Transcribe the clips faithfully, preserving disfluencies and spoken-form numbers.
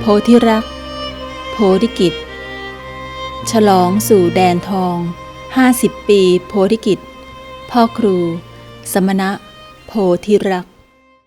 โพธิรัก โพธิกิจ ฉลองสู่แดนทองห้าสิบปีโพธิกิจ พ่อครู สมณะ โพธิรัก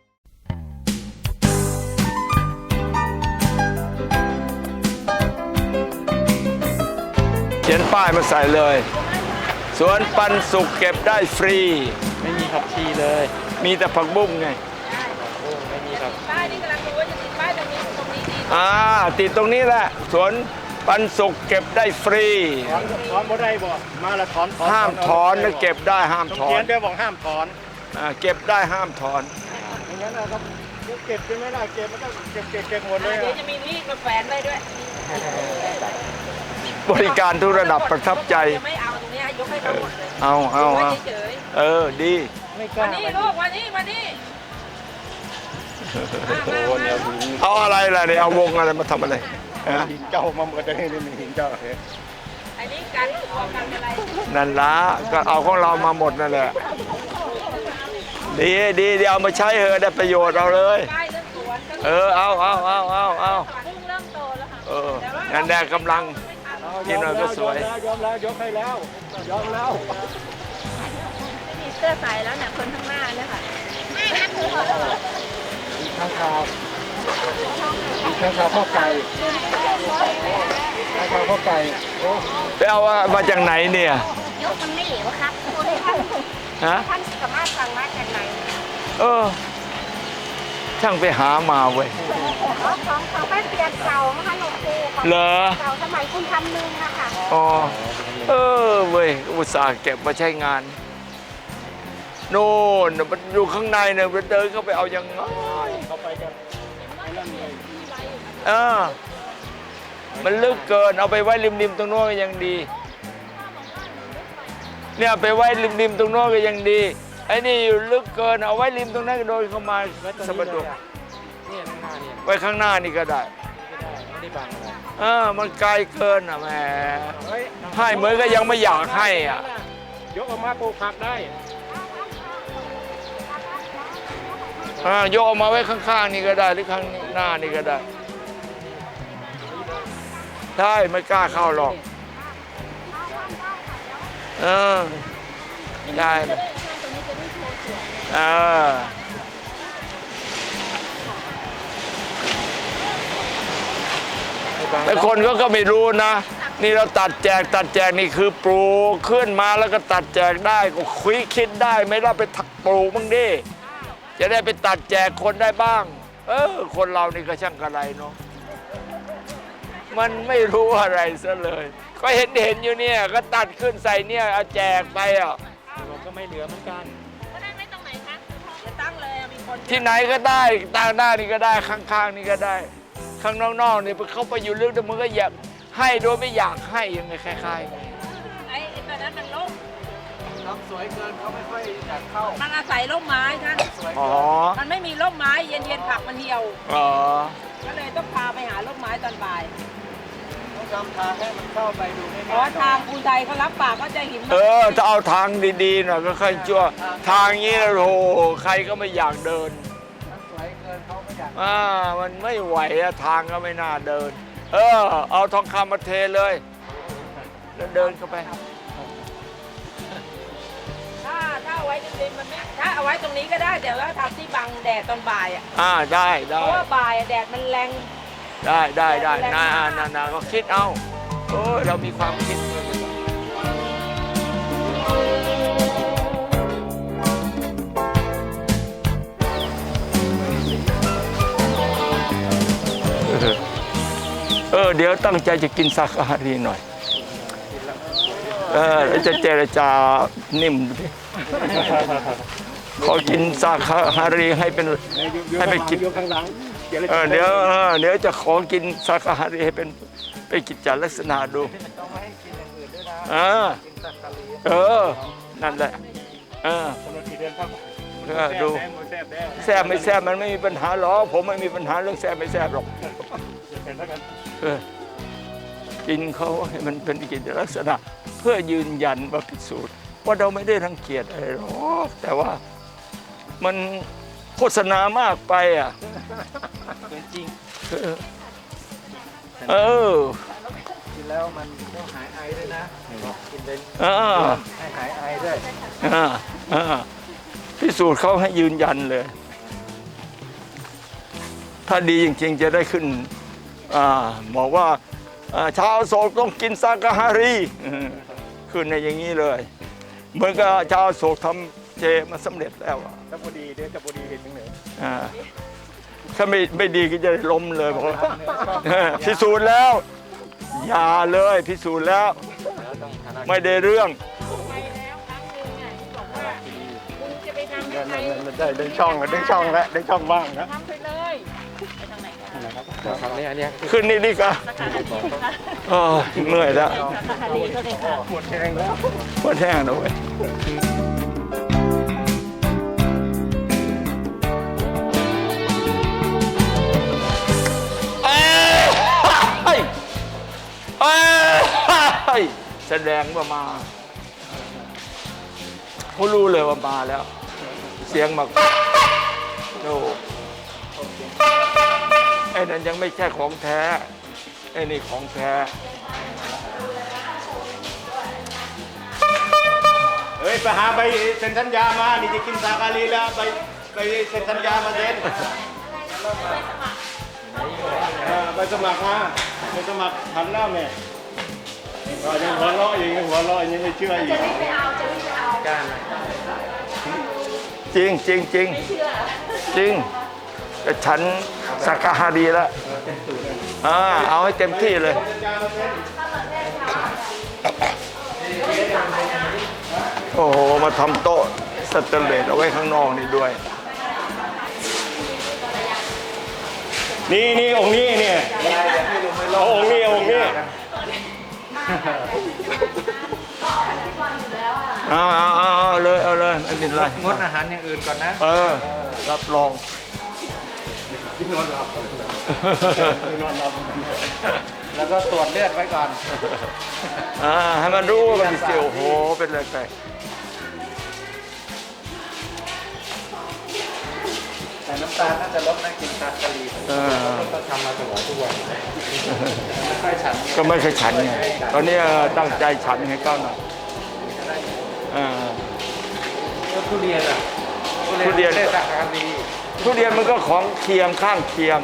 เขียนป้ายมาใส่เลยสวนปันสุกเก็บได้ฟรีไม่มีผักชีเลยมีแต่ผักบุ้งไงโอ้ไม่มีครับป้ายนี่กำลังดูว่าจะติดป้ายตรงนี้ตรงนี้ดีอ่าติดตรงนี้แหละสวนปันสุกเก็บได้ฟรีถอนถอนบ่ได้บ่มาละถอนห้ามถอนนะเก็บได้ห้ามต้องถอเขียนนด้วยบอกห้ามถอนอ่าเก็บได้ห้ามถอนอย่างนั้นนะครับเก็บจะไม่ได้เก็บมันก็เก็บเก็บเก็บหมดเลยเดี๋ยวจะมีมีดมาแฝนไว้ด้วยบริการทุกระดับประทับใจจะไม่เอาตรงนี้ยกให้เขาหมดเลยเอาเอาไว้เอาเฉยเออดีไม่กๆล้าวันนี้ลูกวันนี้วันนี้มามาโอ้มาเนี่ยเอาอะไรล่ะเนี่ยเอาวงอะไรมาทำอะไรฮะหินเจ้ามาหมดเลยนี่หินเจ้าเฮ้ยอันนี้กันออกกันอะไรนั่นละก็เอาของเรามาหมดนั่นแหละดีดีเดี๋ยวเอามาใช้เถอะได้ประโยชน์เอาเลยป้ายเรื่องสวนก็เออเอาเอาเอาเอาเอาเพิ่งเริ่มโตแล้วค่ะเออนั่นแหละกำลัง กินหน่อยก็สวยยอมแล้วยกให้แล้วยอมแล้วไม่มีเสื้อใส่แล้วเนี่ยคนข้างหน้าเนี่ยค่ะข้างคาวข้างคาวข้าวไก่ข้างคาวข้าวไก่โอ้ไปเอามาจากไหนเนี่ยยกมันไม่เหลวครับคุณท่านฮะท่านสามารถสั่งมาจากไหนเออช่างไปหามาเว้ยของของแป้นเปียกเก่านะคะหลวงปู่ของเหรอเก่าสมัยคุณทำนึงนะคะอ๋อเออเว้ยอุตส่าห์เก็บมาใช้งานโน่นมันอยู่ข้างในเนี่ยมันเดินเข้าไปเอายังไงเข้าไปกันไอ้นั่นเลยเออมันลึกเกินเอาไปไว้ริมๆตรงโน้นก็ยังดีเนี่ยไปไว้ริมๆตรงโน้นก็ยังดีไอ้นี่อยู่ลึกเกินเอาไว้ริมตรงนั้นก็โดนเข้ามาสะบัดดกเนี่ยข้างหน้าเนี่ยไว้ข้างหน้านี่ก็ได้ไม่ได้บังอะไรเออมันไกลเกินอ่ะแหมเฮ้ยให้เหมือนก็ยังไม่อยากให้อ่ะยกออกมาปลูกผักได้อ่าโยกออกมาไว้ข้างๆนี่ก็ได้หรือข้างหน้านี่ก็ได้ใช่ไม่กล้าเข้าหรอกเออได้เออแต่คนก็ก็ไม่รู้นะ นี่เราตัดแจกตัดแจกนี่คือปลูกขึ้นมาแล้วก็ตัดแจกได้ก็คุยคิดได้ไหม่ล่ะไปถักปลูกบ้างดิจะได้ไปตัดแจกคนได้บ้าง เออคนเรานี่ก็ช่างกระไรเนาะมันไม่รู้อะไรซะเลย ก็เห็นเห็นอยู่เนี่ยก็ตัดขึ้นใส่เนี่ยเอาแจกไปอ่ะเราก็ไม่เหลือเหมือนกันก็ได้ไม่ตรงไหนคะจะตั้งเลยมีคนที่ไหนก็ได้ตางหน้านี่ก็ได้ข้างๆนี่ก็ได้ ข้างนอกๆนี่เขาไปอยู่ลึกแต่มันก็อยากให้โดยไม่อยากให้ยังไงคล้ายๆไงไอ้ตอนนั้นมันล่มทำสวยเกินเขาไม่ค่อยอยากเข้ามันอาศัยร่มไม้ท่านอ๋อมันไม่มีร่มไม้เย็นๆผักมันเหี่ยวอ๋อก็เลยต้องพาไปหาร่มไม้ตอนบ่ายต้องทำทางให้มันเข้าไปดูง่ายๆเพราะว่าทางภูไทยเขารับปากก็จะหินเออถ้าเอาทางดีๆหน่อยก็ค่อยชั่วทางนี้นะโอ้โหใครก็ไม่อยากเดินมันสวยเกินเขาไม่อยากอ่ามันไม่ไหวอะทางก็ไม่น่าเดิน เออ เอาทองคำมาเทเลยแล้วเดินเข้าไปถ้าถ้าเอาไว้ริมๆมันไม่ถ้าเอาไว้ตรงนี้ก็ได้แต่ว่าทำที่บังแดดตอนบ่ายอ่ะอ่าได้เพได้ราะว่าบ่ายอะแดดมันแรงได้ได้ได้นานานาก็คิดเอาโอ้ยเรามีความคิดเออเดี๋ยวตั้งใจจะกินสาคารีหน่อยเออแล้วจะเจรจานิ่มดิขอกินสาคารีให้เป็นให้ไปกินยกข้างหลังเออเดี๋ยวเออเดี๋ยวจะขอกินสาคารีให้เป็นเป็นกิจจลักษณะดูต้องไม่ให้กินอย่างอื่นด้วยนะอ่ากินสักกะลีเออนั่นแหละเออกำหนดกี่เดือนครับเออดูแซ่บแซ่บแซ่บไม่แซ่บมันไม่มีปัญหาหรอกผมไม่มีปัญหาเรื่องแซ่บไม่แซ่บหรอกเสร็จแล้วกันเออกินเขาให้มันเป็นกิจลักษณะ เพื่อยืนยันว่าพิสูจน์ว่าเราไม่ได้รังเกียจอะไรหรอกแต่ว่ามันโฆษณามากไปอ่ะเกินจริงเออเออกินแล้วมันก็หายไอด้วยนะกินเป็นเออให้หายไอด้วยอ่าอ่าพิสูจน์เขาให้ยืนยันเลย ถ้าดีจริงๆจะได้ขึ้นอ่าบอกว่าอ่าชาวโศกต้องกินซากาฮารีอืมขึ้นในอย่างนี้เลยเหมือนกับชาวโศกทำเจมาสำเร็จแล้วอ่ะถ้าพอดีเดี๋ยวจะพอดีเห็นถึงไหนอ่าถ้าไม่ไม่ดีก็จะล้มเลยบอกว่าเออพิสูจน์แล้ว อย่าเลยพิสูจน์แล้ว ไม่ได้เรื่องไปแล้วครั้งหนึงอ่ะที่บอกว่าคุณจะไปทำให้ใครได้ได้ช่องแล้วได้ช่องแล้วได้ช่องว่างนะทำไปเลยไปทางไหนกันครั้งนี้อันนี้ขึ้นนี่ดีกว่าเออเหนื่อยแล้วคดีก็เลยค่ะหมดแรงแล้วปวดแห้งนะเว้ยเอ้ยเอ้ยแสดงว่ามาเขารู้เลยว่ามาแล้ว เสียงมาโอ้ไอ้นั่นยังไม่ใช่ของแท้ไอ้นี่ของแท้เฮ้ยไปหาใบเซ็นสัญญามานี่จะกินซากาลีแล้วไปไปเซ็นสัญญามาเซ็นเออไปสมัครมาไปสมัครทำหน้าแม่ก็ยังหัวเราะอยู่ยังหัวเราะยังไม่เชื่ออีกจริงจริงจริงจริงแต่ฉันสักกะฮาดีแล้วอ่าเอาให้เต็มที่เลย โอ้โห มาทำโต๊ะสแตนเลสเอาไว้ข้างนอกนี่ด้วยนี่นี่องค์นี้เนี่ยเอาองค์นี้เอาองค์นี้เอาเอาเอาเอาเลยเอาเลยไม่เป็นไรงดอาหารอย่างอื่นก่อนนะเออ รับรองนอนหลับนอนหลับแล้วก็ตรวจเลือดไว้ก่อนอ่าให้มันรู้ว่ามันเสียวโอ้โห เป็นอะไรไปแต่น้ำตาลน่าจะลดนะกินซากาลีเออก็ทำมาตลอดทุกวันไม่ค่อยฉันก็ไม่เคยฉันไงตอนนี้ตั้งใจฉันให้ก้าวหน่อยอ่าก็ทุเรียนอ่ะทุเรียนได้ซากาลีทุเรียนมันก็ของเคียงข้างเคียง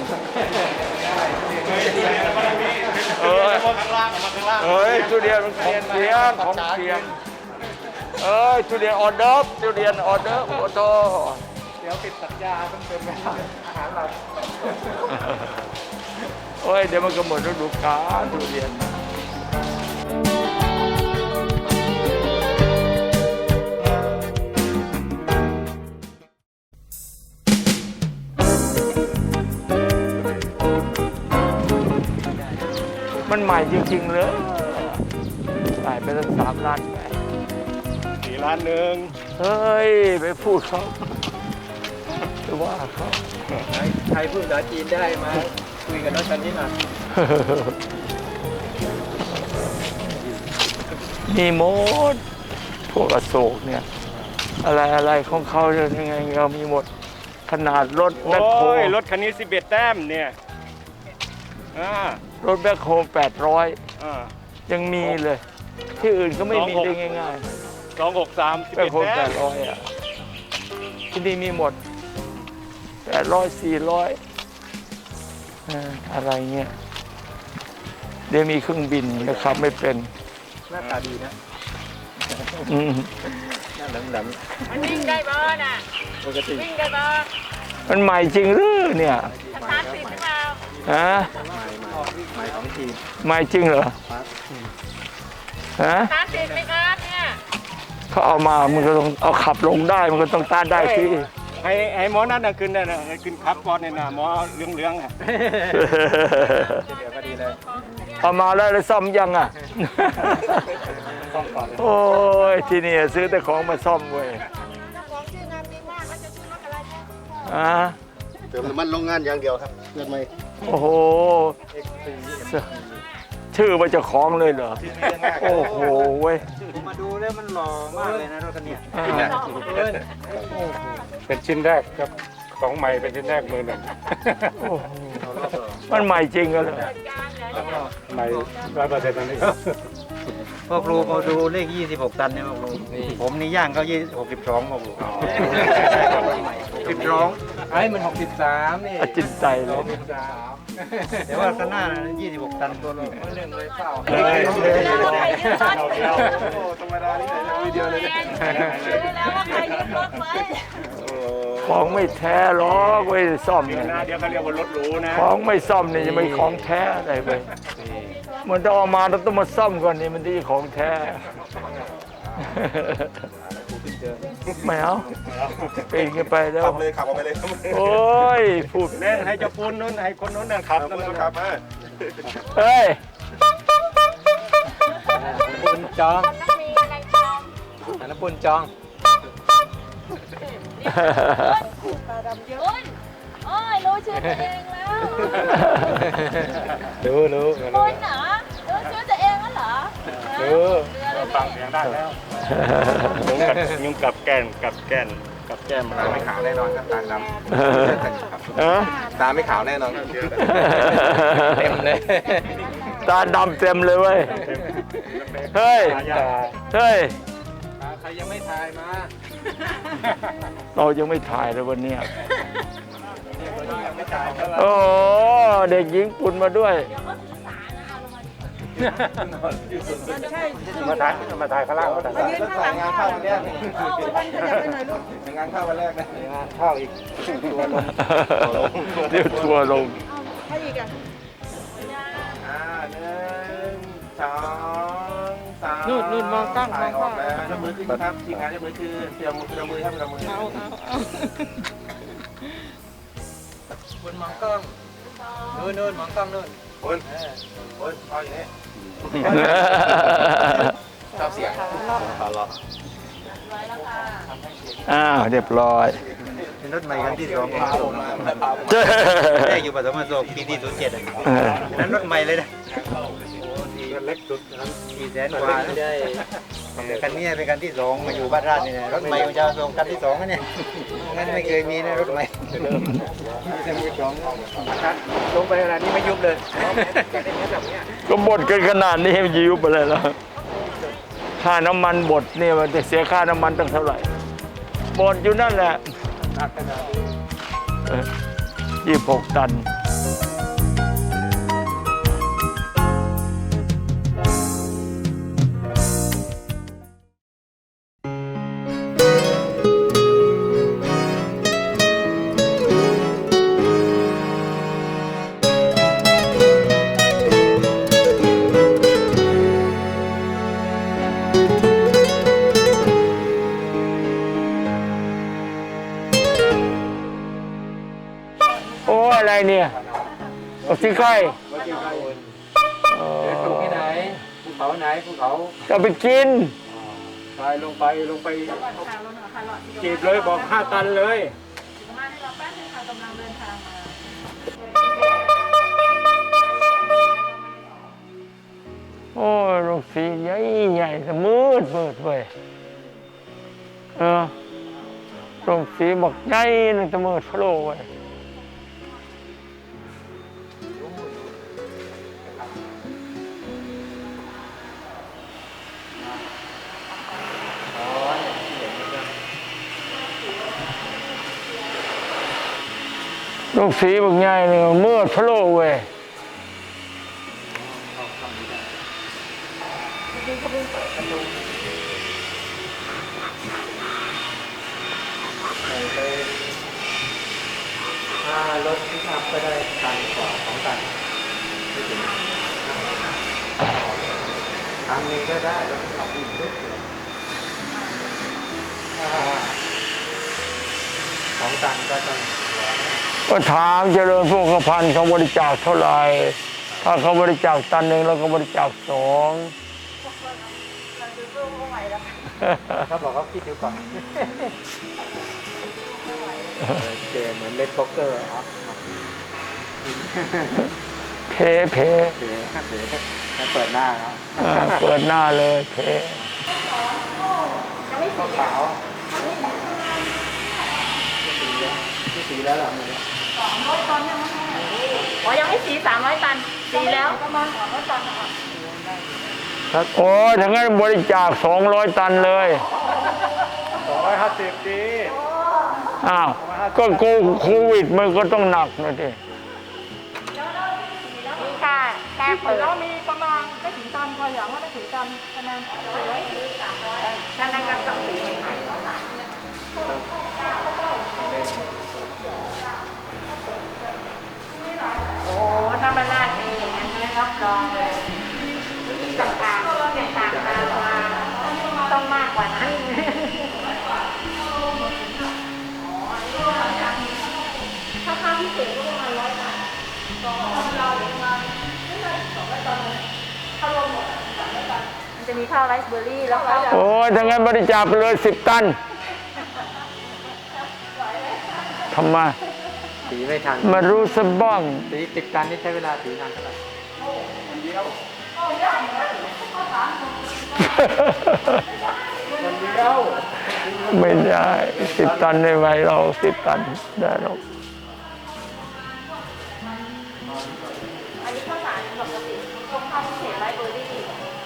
เออข้างล่างมาข้างล่างเอ้ยทุเรียนมันของเคียงของเคียง เอ้ยทุเรียนออเดิร์ฟทุเรียนออเดิร์ฟโอ้โหเดี๋ยวปิดสัญญาต้องเป็นแบบอาหารเราโอ้ยเดี๋ยวมันก็หมดฤดูกาลทุเรียนมันใหม่จริงๆเลยใส่ไปตั้งสามล้านไปสี่ล้านหนึ่งเฮ้ย ไปพูดเขาไปว่าเขาใครพูดภาษาจีนได้มาคุยกับน้องชันนี่หน่อยมีหมดพวกอโศกเนี่ย อะไรอะไรของเขาเนี่ยยังไงเรามีหมด ขนาดรถแบ็คโฮโอ้ยรถคันนี้สิบเอ็ดแต้มเนี่ยอ่ารถแบ็คโฮแปดร้อยอ่ายังมีเลย ที่อื่นก็ไม่มีได้ง่ายสองหกสามสิบๆแบ็เอ็คดโฮแต้แปมดร้อยอ่ะที่นี่มีหมดแปดร้อยสี่ร้อยอะไรเงี้ยเดี๋ยวมีเครื่องบินนะครับ ไม่เป็นหน้าตาดีนะอืมหน้าแหลมมันวิ่งได้บ่น่ะๆปกติวิ่งได้บ่มันใหม่จริงหรือเนี่ยสตาร์ทติดหรือเปล่าฮะใหม่ใหม่ของจีนใหม่จริงเหรอฮะสตาร์ทติดไหมครับเนี่ยเขาเอามามันก็ต้องเอาขับลงได้มันก็ต้องต้านได้ที่ให้ให้หมอนั่นนะขึ้นได้นะให้ขึ้นขับก่อนเนี่ยนะหมอเลี้ยงเลี้ยงอ่ะเดี๋ยวก็ดีเลยเอามาแล้วแล้วซ่อมยังอ่ะต้องก่อนโอ้ยที่นี่ซื้อแต่ของมาซ่อมเว้ยเจ้าของชื่องานดีมากเขาจะชื่อรถอะไรนะอ่ะเติมน้ำมันโรงงานอย่างเดียวครับเลือดไม่โอ้โห ชื่อว่าเจ้าของเลยเหรอ โอ้โหเว้ยมาดูแล้วมันหล่อมากเลยนะรถคันนี้อ่าเป็นชิ้นแรกครับของใหม่เป็นชิ้นแรกมือหนึ่งโอ้โหมันใหม่จริงกันเลยการเหรอไม่ร้อยเปอร์เซ็นต์ตอนนี้ครับพ่อครูมาดูเลขยี่สิบหกตันเนี่ยพ่อครูผมนี่ย่างเขายี่หกสิบสองพ่อครูสิบสองไอ้มันหกสิบสามนี่จิตใจเลยสามแต่ว่าข้างหน้ายี่สิบหกตันตัวเราเรื่องเลยเปล่าเลยเลยแล้วว่าใครยึดรถเดียวธรรมดาที่ไหนจะมีเดียวเลยแล้วว่าใครยึดรถไว้ของไม่แท้หรอกเว้ยซ่อมเดี๋ยวเนี่ยนะเดี๋ยวเขาเรียกว่ารถหรูนะของไม่ซ่อมนี่จะไม่ของแท้อะไรไปมันต้องเอามาแล้วต้องมาซ่อมก่อนนี่มันที่ของแท้ไม่เอาปีนกันไปแล้วขับเลยขับออกไปเลยโอ้ยพูดเล่นให้เจ้าปูนนู้นให้คนนู้นนั่นขับนั่นขับมาเฮ้ยปุ่นจองมีอะไรจองอันนั้นปุ่นจองปลาดำเยอะโอ้ยรู้ชื่อตัวเองแล้วรู้รู้คุณเหรอรู้ชื่อตัวเองแล้วเหรอรู้ฟังเสียงได้แล้วยุงกับแก่นกับแก่นกับแก้มตาไม่ขาวแน่นอนครับตาดเออำตาไม่ขาวแน่นอนครับเต็มเลยตาดำเต็มเลยเว้ยเฮ้ยเฮ้ยใครยังไม่ทายมาเรายังไม่ถ่ายเลยวันเนี้ยยังไม่ทายก็โอ้โหเด็กหญิงปุ่นมาด้วยมาถ่ายมาถ่ายข้างล่างมาถ่ายถ่ายงานเข้าวันแรกนี่งานเข้าวันแรกนะงานเข้าอีกตัวลงเดี๋ยวทัวร์ลงอ่าหนึ่งสองสามนู่นนู่นมองกล้องมถ่าอย งอกล้อองกแล้วยกมือขึ้นครับทีมงานยกมือขึ้นเตรียมมือเตรียมมือครับเตรียมมือเอาเอาคุณมองกล้องนู่นนู่นมองกล้องนู่นคนคนเอาอย่างนี้ชอบเสียงอ้าวเรียบร้อยเป็นรถใหม่คันที่สองของผมแรกอยู่ปฐมโศกปีที่ศูนย์เจ็ดอ่ะนั้นรถใหม่เลยนะเล็กสุดสี่แสนกว่านะคันนี้เป็นคันที่สองมาอยู่บ้านราชนี่นะรถใหม่ของเจ้าทรงคันที่สองนะเนี่ยงั้นไม่เคยมีนะรถใหม่จะมีสองคันลงไปขนาดนี้ไม่ยุบเลยก็บดกันขนาดนี้มันจะยุบอะไรแล้วค่าน้ำมันบดเนี่ยมันจะเสียค่าน้ำมันตั้งเท่าไหร่บดอยู่นั่นแหละยี่สิบหกตัน โอ้อะไรเนี่ยเอาสิไข่ปลูกที่ไหนภูเขาไหนภูเขาจะไปกินไปลงไปลงไปจีบเลยบอกห้าตันเลยมาให้เราแป๊บนึงค่ะกำลังเดินทางมาโอ้ยโรงสีใหญ่ใหญ่แต่มืดมืดเว้ยเออโรงสีบอกใหญ่นั่นแต่มืดพะโลเว้ยโรงสีบอกใหญ่เนี่ยมืดพะโลเว้ยถ้ารถที่ขับไปได้ตันกว่าสองตันไม่ถึงตันหนึ่งก็ได้รถที่ขับอีกนิดถ้าสองตันก็ต้องก็ถามเจริญพวกพันธ์เขาบริจาคเท่าไหร่ถ้าเขาบริจาคตันหนึ่งเราก็บริจาคสองเขาบอกเขาคิดดูก่อนเจเหมือนเล่นโป๊กเกอร์ครับเพเพเดี๋ยวเดี๋ยวจะเปิดหน้าครับอ่าเปิดหน้าเลยเพขาวไม่สีแล้วหรออ๋อยังไม่สีสามร้อยตันสีแล้วโอ้ยทั้งนั้นบริจาคสองร้อยตันเลยสองร้อยห้าสิบดีอ้าวก็โควิดมันก็ต้องหนักนะทีมีค่ะแค่เปิดแล้วมีประมาณไม่ถึงตันพออย่างว่าไม่ถึงตันคะแนนนั่นนั่นก็ต้องสีโอ้ถ้ามันลาดเองอย่างนั้นไม่รับรองเลยวิธีต่างๆต่างๆมาต้องมากกว่านั้นถ้าค่าพิเศษก็ประมาณร้อยบาทสองเราประมาณไม่ใช่สองร้อยตันถ้ารวมหมดสามร้อยตันมันจะมีข้าวไรซ์เบอร์รี่แล้วก็โอ้ยทั้งนั้นบริจาคไปเลยสิบตันทำไมสีไม่ทันมารู้สะบ้างสีติดกันนี่ใช้เวลาสีนานเท่าไหร่ไม่ได้สิบตันในไว้เราสิบตันได้หรอกอันนี้ข้าวสารปกติพวกข้าวพิเศษไรซ์เบอร์รี่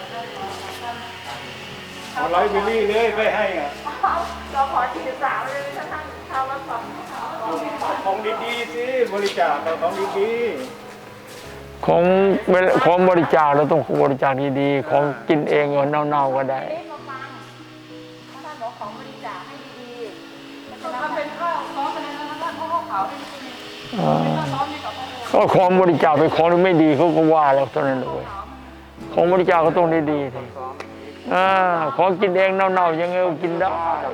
เอาไลฟ์บิลลี่เลยไปให้อ่ะเราขอสี่สิบสามเลยถ้าท่านข้าวรับของของดีๆสิบริจาคเอาของดีของเวลาของบริจาคเราต้องบริจาคดีๆของกินเองเอาเน่าๆก็ได้เล่นมาฟังท่านบอกของบริจาคให้ดีๆทำเป็นข้าวซอสคะแนนนะท่านเพราะข้าวขาวนี่ไม่มีอ่าข้าวซอสนี่กับข้าวก็ของบริจาคเป็นของที่ไม่ดีเขาก็ว่าเราเท่านั้นเลยของบริจาคก็ต้องดีๆทีอ่าของกินเองเน่าๆยังไงก็กินได้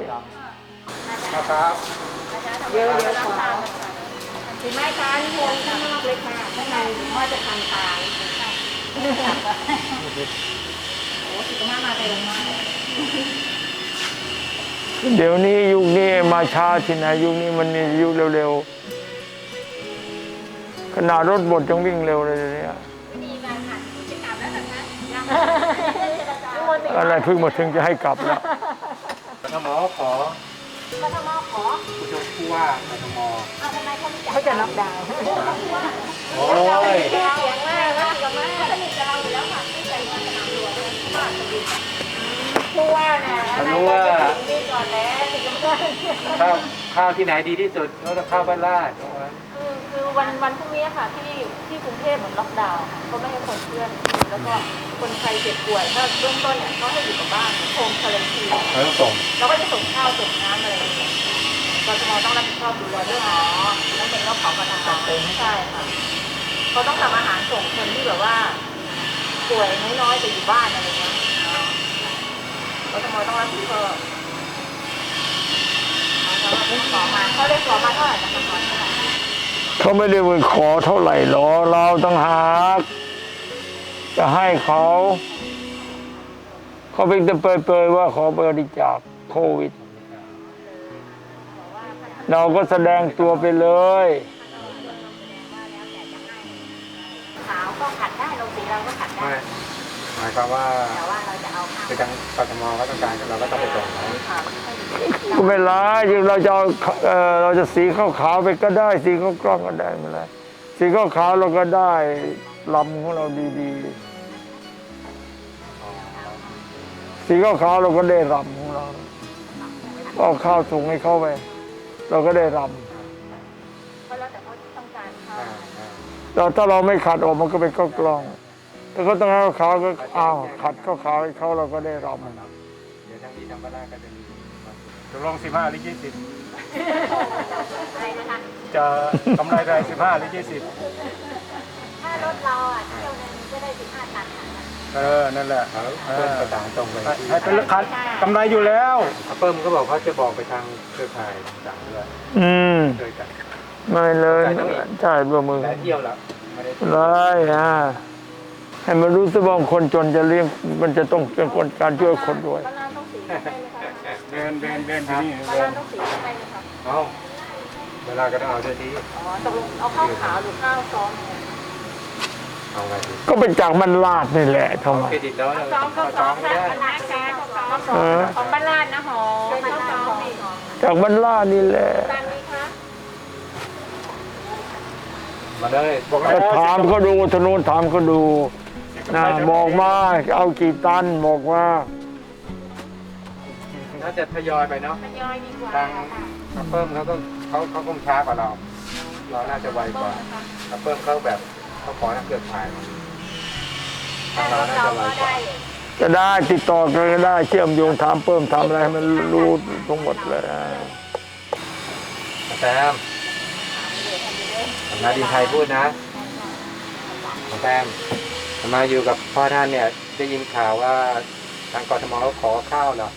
นะครับเยอะๆแล้วค่ะถึงแม้ค้านิมนต์ข้างนอกเล็กค่ะข้างในว่าจะทานตายโอ้สุขภาพมาเร็วมากเดี๋ยวนี้ยุคนี้มาช้าที่ไหนยุคนี้มันมียุคเร็วๆขนาดรถบดยังวิ่งเร็วเลยเดี๋ยวนี้มีการหันกิจกรรมแล้วนะคะอะไรเพิ่งมาถึงจะให้กลับแล้วกทมขอกทมขอผู้ช่วยผู้ว่ากทมเอาทำไมเขาไม่เขาจะล็อกดาวน์โอ้ยเสียงมากนะกับมากสนิทกับเราอยู่แล้วค่ะที่ใจว่าสนามหลวงผู้ว่าน่ะอะไรก็จะถึงดีก่อนแล้วถึงจะข้าวข้าวที่ไหนดีที่สุดก็ต้องข้าวบ้านลาดคือคือวันวันพรุ่งนี้ค่ะที่ที่กรุงเทพเหมือนล็อกดาวน์เขาไม่ให้คนเพื่อนแล้วก็คนใครเจ็บป่วยถ้าเบื้องต้นเนี่ยเขาให้อยู่กับบ้านโฮมคารันทีนเขาต้องส่งเราก็จะส่งข้าวส่งน้ำอะไรอย่างเงี้ยกทมต้องรับผิดชอบดูแลเรื่องหมอแล้วเป็นเรื่องของกทมใช่ค่ะเขาต้องทำอาหารส่งคนที่แบบว่าป่วยน้อยๆแต่อยู่บ้านอะไรเงี้ยกทมต้องรับผิดชอบขอมาเขาได้ขอมาเท่าไหร่นะคะขอเท่าไหร่เขาไม่ได้ไปขอเท่าไหร่หรอเราต้องหากจะให้เขาเขาเพียงแต่เปรยๆว่าขอบริจาคโควิด เราก็แสดงตัวไปเลยขาวก็ขัดได้ลงสีเราก็ขัดได้ไม่หมายความว่าแต่ว่าเราจะเอาข้าวคือทางกทมเขาต้องการเราก็ต้องไปส่งเขาขาวก็ไม่ร้ายเราจะเอาเอ่อเราจะสีขาวๆไปก็ได้สีขาวกล้องก็ได้ไม่เป็นไรสีขาวๆเราก็ได้ลำของเราดีๆสีขาวๆเราก็ได้ลำของเราเอาข้าวถุงให้เข้าไปเราก็ได้ลเพราะแล้วแต่เขาต้องการข้าวำเราถ้าเราไม่ขัดออกมันก็เป็นข้าวกล้องถ้าเขาต้องให้ขาวก็อ้าวขัดข้าวขาวให้เขาเราก็ได้ลำเดี๋ยวทางนี้ทางบ้านลาดก็จะมีๆตกลงสิบห้าหรือยี่สิบอะไรนะคะจะกำไรได้สิบห้าหรือยี่สิบถ้ารถเราอ่ะเที่ยวนึงก็ได้สิบห้าตันค่ะเออนั่นแหละเขาเพิ่มประสานตรงไปให้ให้เป็นราคากำไรอยู่แล้วเพิ่มก็บอกเขาจะบอกไปทางเครือข่ายต่างๆด้วยอืมเคยกันไม่เลยใช่ตัวมือหลายเที่ยวแล้วไม่ได้เลยอ่ะให้มันรู้สึกว่าคนจนจะเลี้ยงมันจะต้องเป็นคนการช่วยคนด้วยบ้านร้านต้องสีได้ไหมคะเดินเดินเดินที่นี่บ้านเดิร้าน นต้องสีได้ไหมคะเอาเวลาก็ต้องเอาด้วยที่อ๋อตกลงเอาข้าวขาวหรือข้าวซ้อมเอาไงดีก็เป็นจากมันลาดนี่แหละทำไมเครดิตแล้วเราซ้อมก็เอาซ้ซ้ออมมไม่นะได้คณะแกข้าวซ้อมเออของบ้านลาดนะหอข้าวซ้อมจากมันลาดนี่แหละตามนี้คะมาเลยบอกก็ถามเขาดูถนนถามเขาดูนะบอกมาเอากี่ตันบอกว่าน่าจะทยอยไปเนาะทยอยดีกว่าทางอัปเปิ้มเขาก็เขาเขาคงช้ากว่าเรา เราน่าจะไวกว่าอัปเปิ้มเขาแบบเขาขอทางเครือข่ายมาทางเราน่าจะไวกว่าจะได้ติดต่อกันก็ได้เชื่อมโยงถามเพิ่มทำอะไรให้มันรู้ทั้งหมดเลยแซมนาดีไทยพูดนะแซมมาอยู่กับพ่อท่านเนี่ยได้ยินข่าวว่าทางกทมเขาขอข้าวเหรอ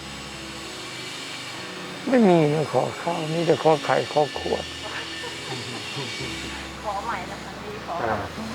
ไม่มีนะขอข้าวนี่แต่ขอไข่ขอขวดขอใหม่นะคะดีขออ่า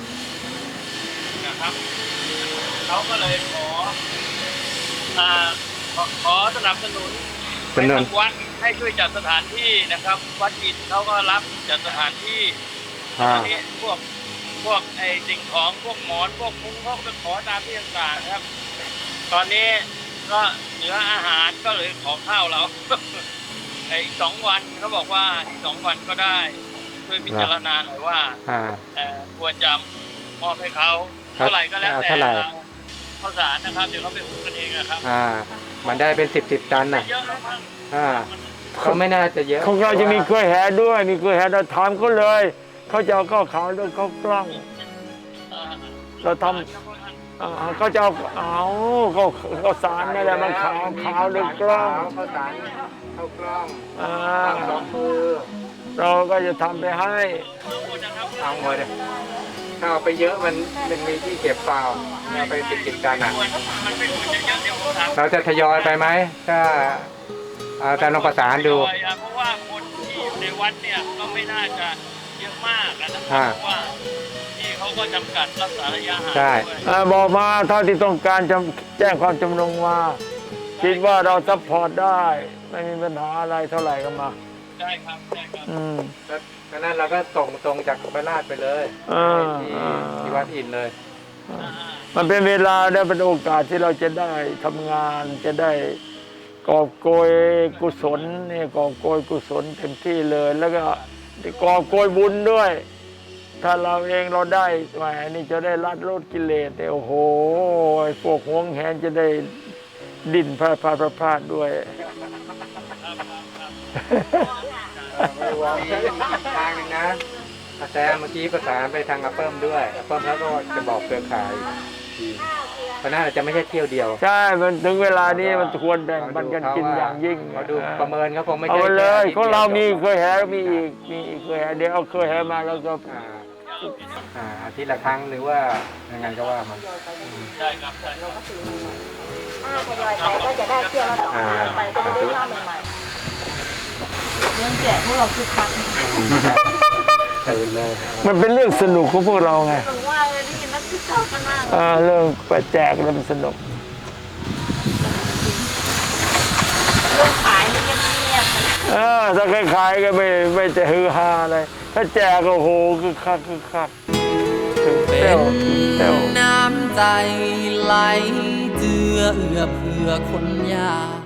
นะครับเขาก็เลยขออ่าขอขอสนับสนุนเป็นเงินทางวัดให้ช่วยจัดสถานที่นะครับ วัดอินเขาก็รับจัดสถานที่อ่าทีนี้พวกพวกไอ้สิ่งของพวกหมอนพวกมุ้งเขาก็ไปขอตามที่ต่างๆครับ ตอนนี้ก็เหลืออาหารก็เลยขอข้าวเรา ไอ้สองวันเขาบอกว่าอีกสองวันก็ได้ช่วยพิจารณาหน่อยว่าอ่าเอ่อควรจะมอบให้เขาเท่าไหร่ก็แล้วแต่เท่าไหร่ข้าวสารนะครับเดี๋ยวเขาไปหุงกันเองนะครับอ่า มันได้เป็นสิบสิบตันน่ะเยอะแล้วมั้งอ่าเขาไม่น่าจะเยอะของเราจะมีกล้วยแหด้วยมีกล้วยแหเราถามเขาเลยเขาจะเอาข้าวขาวด้วยข้าวกล้องเอ่อเราทำอ่าเขาจะเอาเอาเขาเขาสารนี่แหละมันขาวขาวด้วยกล้องข้าวสารข้าวกล้องอ่าสองมือเราก็จะทำไปให้เอาหมดเลยถ้าเอาไปเยอะมันมันมีที่เก็บเปล่าเอาไปสิบสิบตันอ่ะมันไม่ควรจะเยอะเดี๋ยวผมถามเราจะทยอยไปไหมถ้าเอาแต่ลองประสานดูเพราะว่าคนที่อยู่ในวัดเนี่ยก็ไม่น่าจะเยอะมากนะคอ่ารับเพราะว่าที่เขาก็จำกัดรักษาระยะห่างใช่ด้วยอ่าบอกมาเท่าที่ต้องการจะแจ้งความจำนงมาคิดว่าเราซัพพอร์ตได้ ไม่มีปัญหาอะไรเท่าไหร่ก็มาใช่ครับใช่ครับอืมแล้วดังนั้นเราก็ส่งตรงจากพระราชไปเลยอ่าที่อ่าที่วัดอินเลยมันเป็นเวลาและเป็นโอกาสที่เราจะได้ทำงานจะได้กอบโกยกุศลเนี่ยกอบโกยกุศลเต็มที่เลย แล้วก็กอบโกยบุญด้วย ถ้าเราเองเราได้แหมนี่จะได้ลัดลดกิเลสเนี่ยโอ้โหไอ้พวกหวงแหนจะได้ดิ้นพลาดพลาดพลาดพลาดด้วยไม่วางทางหนึงนะแต่เมื่อกี้ประสานไปทางอัปเปิลด้วยอัปเปิลแล้วก็จะบอกเครือข่ายทีเพราะน่าจะไม่ใช่เที่ยวเดียวใช่ มันถึงเวลานี้มันควรแบ่งปันกันกินอย่างยิ่งเราดูประเมินเขาคงไม่เอาใช่ไปเลยแค่ของเรามีที่เคยแหมีอีกมีอีกเคยแหเดี๋ยวเอาเคยแหมาแล้วก็อ่าอ่าอาทิตย์ละครั้งหรือว่ายังไงก็ว่ามันใช่ครับใช่ครับถ้าทยอยไปก็จะได้เที่ยวละสองพันไปก็จะได้ข้าวใหม่ๆเรื่องแจกพวกเราคือคักตื่นเลยมันเป็นเรื่องสนุกของพวกเราไงถึงว่าเลยได้ยินนักศึกษากันมากอ่าเรื่องไปแจกแล้วมันสนุกเรื่องขายนี่เงียบๆนะเออถ้าขายๆก็ไม่ไม่จะฮือฮาอะไรถ้าแจกก็โอ้โหคือคักคือคักถึงเต้วถึงเต้วน้ำใจไหลเจือเอื้อเพื่อคนยาก